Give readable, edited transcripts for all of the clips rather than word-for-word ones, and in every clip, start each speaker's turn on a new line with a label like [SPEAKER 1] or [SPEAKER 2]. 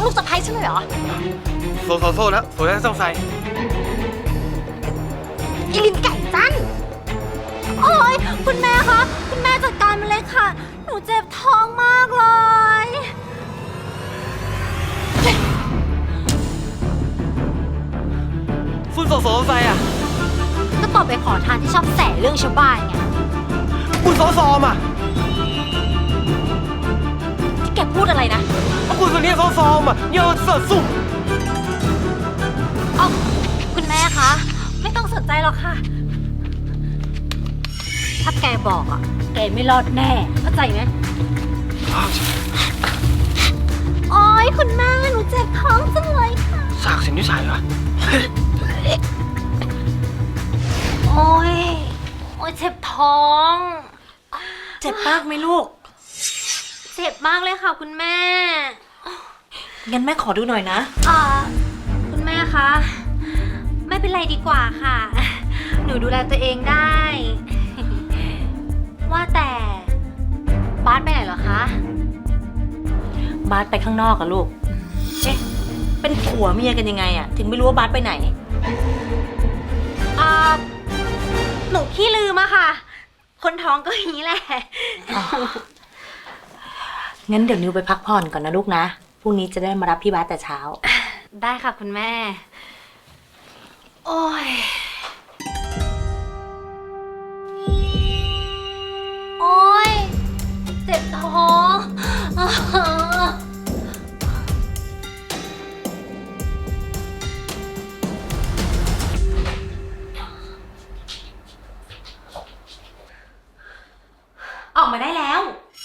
[SPEAKER 1] ลูกสะใภ้ฉันเลยเหรอ
[SPEAKER 2] โซ่แล้วโซ่แล้วต้องใส่
[SPEAKER 1] อีลินไก่จันโอ้ยคุณแม่คะคุณแม่จัดการมันเลยค่ะหนูเจ็บท้องมากเลย
[SPEAKER 2] คุณโซ่ใส่อ่ะ
[SPEAKER 1] ก็ตอบไปขอทานที่ชอบแสเรื่องชาวบ้านไง
[SPEAKER 2] คุณโซ่อ่ะ
[SPEAKER 1] ที่แกพูดอะไรนะ
[SPEAKER 2] คุณคนนี้โซ่อ่ะเยอะเสือสุ่ม
[SPEAKER 1] อ๋อคุณแม่คะไม่ต้องสนใจหรอกค่ะถ้าแกบอกอ่ะแกไม่รอดแน่เข้าใจไหมโอ๊ยคุณแม่หนูเจ็บท้องจังเลยค่ะ
[SPEAKER 2] สากเส้นนิสัยเหรอ
[SPEAKER 1] โอ๊ยเจ็บท้อง
[SPEAKER 3] เจ็บมากไหมลูก
[SPEAKER 1] เจ็บมากเลยค่ะคุณแม่
[SPEAKER 3] งั้นแม่ขอดูหน่อยนะ
[SPEAKER 1] คุณแม่คะไม่เป็นไรดีกว่าค่ะหนูดูแลตัวเองได้ว่าแต่บาสไปไหนเหรอคะ
[SPEAKER 3] บาสไปข้างนอกอะลูกเอ๊ะเป็นผัวเมียกันยังไงอะถึงไม่รู้ว่าบาสไปไหน
[SPEAKER 1] หนูขี้ลืมอะค่ะคนท้องก็อย่างนี้แหละ
[SPEAKER 3] งั้นเดี๋ยวนิวไปพักผ่อนก่อนนะลูกนะพรุ่งนี้จะได้มารับพี่บาสแต่เช้า
[SPEAKER 1] ได้ค่ะคุณแม่โอ้ยโอ้ยเจ็บท้องออกมาได้แล้ว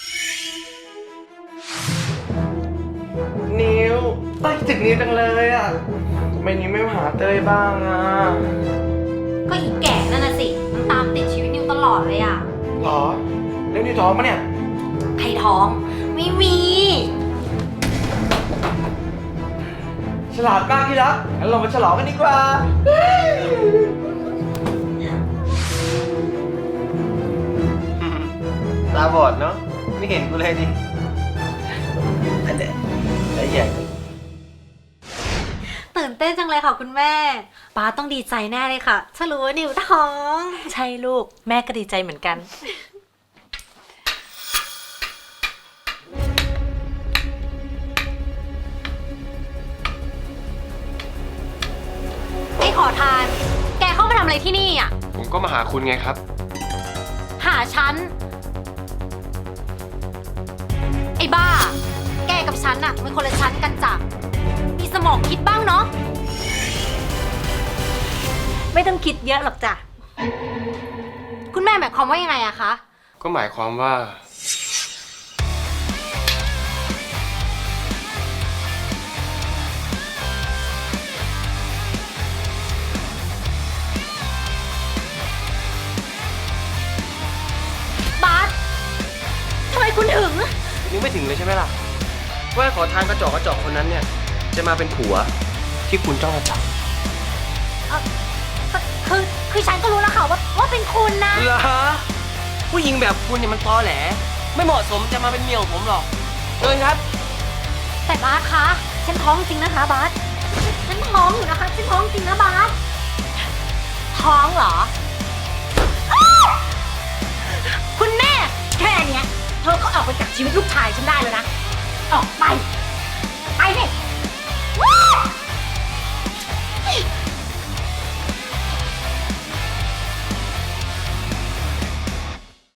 [SPEAKER 2] นิวไปถึงนิวจังเลยอ่ะทำไมนิวไม่มาหาเต้ยบ้างอ่ะ
[SPEAKER 1] ก็อีแก่นั่นน่ะสิมันตามติดชีวิตนิวตลอดเลยอ่ะ
[SPEAKER 2] หรอแล้วนิวท้องปะเนี่ย
[SPEAKER 1] ใครท้องไม่มี
[SPEAKER 2] ฉลาดมากที่รักงั้นเรามาฉลองกันดีกว่าตาบอดเนาะไม่เห็นกูเลยดิแล้วใหญ่
[SPEAKER 1] ตื่นเต้นจังเลยค่ะคุณแม่ป้าต้องดีใจแน่เลยค่ะถ้ารู้ว่านิวท้อง
[SPEAKER 3] ใช่ลูกแม่ก็ดีใจเหมือนกัน
[SPEAKER 1] ไอ้ขอทานแกเข้ามาทำอะไรที่นี่อ่ะ
[SPEAKER 2] ผมก็มาหาคุณไงครับ
[SPEAKER 1] หาฉันไอ้บ้าแกกับฉันอะเป็นคนละชั้นกันจ้ะมีสมองคิดบ้างเนาะ
[SPEAKER 3] ไม่ต้องคิดเยอะหรอกจ้ะ
[SPEAKER 1] คุณแม่หมายความว่ายังไงอะคะ
[SPEAKER 2] ก็หมายความว่า
[SPEAKER 1] บาสทำไมคุณถึง
[SPEAKER 2] ยังไม่ถึงเลยใช่ไหมล่ะว่าขอทานกระจอกคนนั้นเนี่ยจะมาเป็นผัวที่คุณจ้องจะจับ
[SPEAKER 1] คือฉันก็รู้แล้วค่ะว่าเป็นคุณนะ
[SPEAKER 2] เหรอผู้หญิงแบบคุณเนี่ยมันตอแหลไม่เหมาะสมจะมาเป็นเมียของผมหรอกเชิญครับ
[SPEAKER 1] แต่บาสคะฉันท้องจริงนะคะบาสฉันท้องอยู่นะคะฉันท้องจริงนะบาสท้องเหรอคุณแม่แค่เนี้ยเธอก็ออกไปจากชีวิตลูกชายฉันได้แล้วนะออกไป